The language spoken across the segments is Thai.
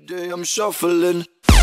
day I'm shuffling.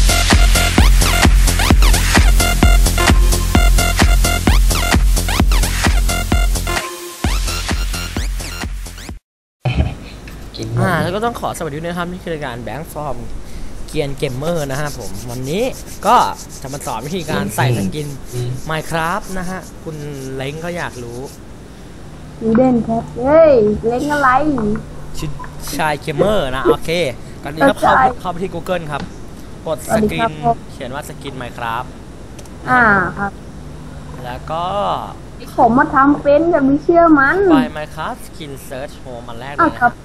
แล้วก็ต้องขอสวัสดีนะครับนี่คือรายการแบงค์ฟอร์มเกียนเกมเมอร์นะฮะผมวันนี้ก็จะมาสอนวิธีการใส่สกิน Minecraft นะฮะคุณเล้งก็อยากรู้มีเด่นครับเฮ้ยเล้งอะไรชื่อชายเกมเมอร์นะโอเคก่อนนี้ก็เข้าไปที่ Google ครับกดสกินเขียนว่าสกิน Minecraft ครับแล้วก็ผมมาทำเป็นอย่ามีเชื่อมันไป Minecraft Skin Search Home มันแรกเลยนะครับ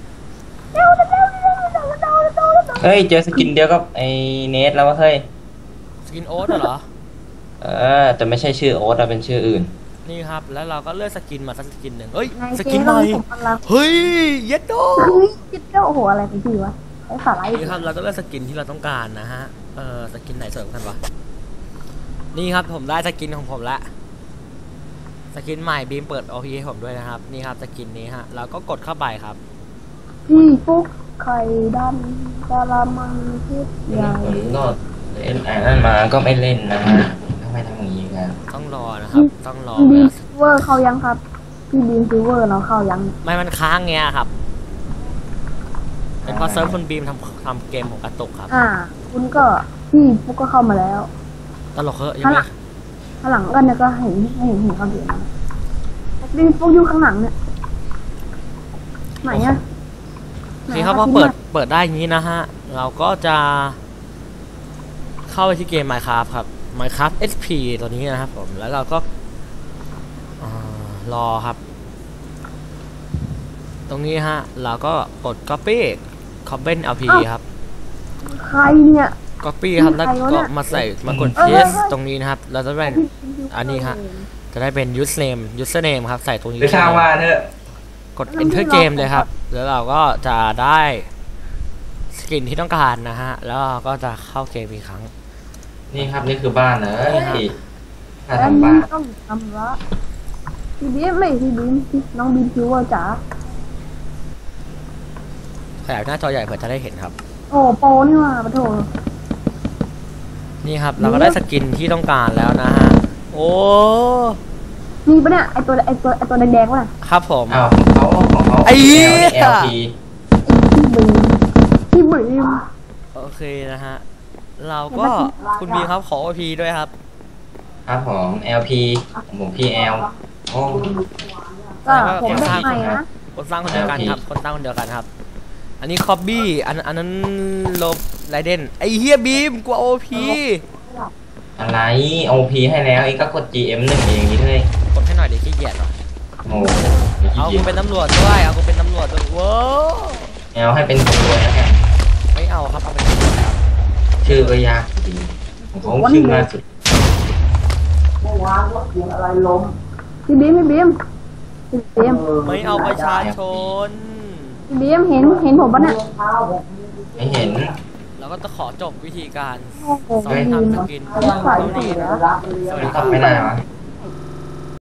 เฮ้ยเจอสกินเดียวกับไอเนทแล้ววะเฮ้ยสกินโอ๊ตเหรอแต่ไม่ใช่ชื่อโอ๊ตเป็นชื่ออื่นนี่ครับแล้วเราก็เลือกสกินมาสักสกินหนึ่งเฮ้ยสกินใหม่เฮ้ยเย็ดโดโอ้โหอะไรของพี่วะไอ้สาระนี่ครับเราก็เลือกสกินที่เราต้องการนะฮะสกินไหนสวยกันวะนี่ครับผมได้สกินของผมละสกินใหม่บีมเปิด OP ให้ผมด้วยนะครับนี่ครับสกินนี้ฮะเราก็กดเข้าไปครับพี่ปุ๊กไข่ดำกะละมังพิษใหญ่ก็เล่นนั่นมาก็ไม่เล่นนะทำไมทำอย่างนี้กันต้องรอนะครับต้องรอบีมซิลเวอร์เข้ายังครับพี่บีมซิลเวอร์เราเข้ายังไม่มันค้างเงี้ยครับเป็นเพราะเซิร์ฟคุณบีมทำเกมของกระตุกครับคุณก็พี่ปุ๊กก็เข้ามาแล้วตลกเหรอยังไงข้างหลังกันเนี่ยก็เห็นเขาเห็นนะบีมปุ๊กอยู่ข้างหลังเนี่ยไหนอะนี่ครับพอเปิดได้อย่างนี้นะฮะเราก็จะเข้าไปที่เกม Minecraft ครับ Minecraft SP ตัวนี้นะครับผมแล้วเราก็รอครับตรงนี้ฮะเราก็กด Copy Comment LP ครับใครเนี่ย Copy ครับแล้วก็มากด Paste ตรงนี้นะครับเราจะเป็นอันนี้ฮะจะได้เป็น username ครับใส่ตรงนี้ไปช่างว่าเถอะกด enter game เลยครับแล้วเราก็จะได้สกินที่ต้องการนะฮะแล้วเราก็จะเข้าเกมอีกครั้งนี่ครับนี่คือบ้านนะถ้าทำบ้านต้องทำละพี่บีมไม่พี่บีมน้องบีมคิวว่าจ๋าขยายหน้าจอใหญ่เพื่อจะได้เห็นครับโอ้โปนี่ว่าปะโถนี่ครับเราก็ได้สกินที่ต้องการแล้วนะฮะโอ้มีปะเนี่ยไอตัวแดงๆวะครับผมของเขาไอ้พี่บีมโอเคนะฮะเราก็คุณบีครับขอ OP ด้วยครับครับผม LP ผม PL โอ้ผมได้ใหม่นะคนสร้างคนเดียวกันครับคนสร้างคนเดียวกันครับอันนี้คอบบี้อันนั้นลบไรเดนไอเฮียบีมกลัว OP อะไร OP ให้แล้วเองก็กด GM 1เองนี่เลยกดให้หน่อยเดี๋ยวขี้เกียจหรอโอ้เอากูเป็นตำรวจด้วยเอากูเป็นตำรวจด้วยว้าวให้เป็นตำรวจนะฮะไม่เอาครับเอาเป็นตำรวจครับชื่อก็ยากจริงผมชื่อง่ายสุดเมื่อวานรถเสียงอะไรล้มพี่บีมไม่เอาประชาชนพี่บีมเห็นผมปะเนี่ยไม่เห็นเราก็จะขอจบวิธีการสอนทำสกินเท่านี้นะสวัสดีครับไม่ได้หรอ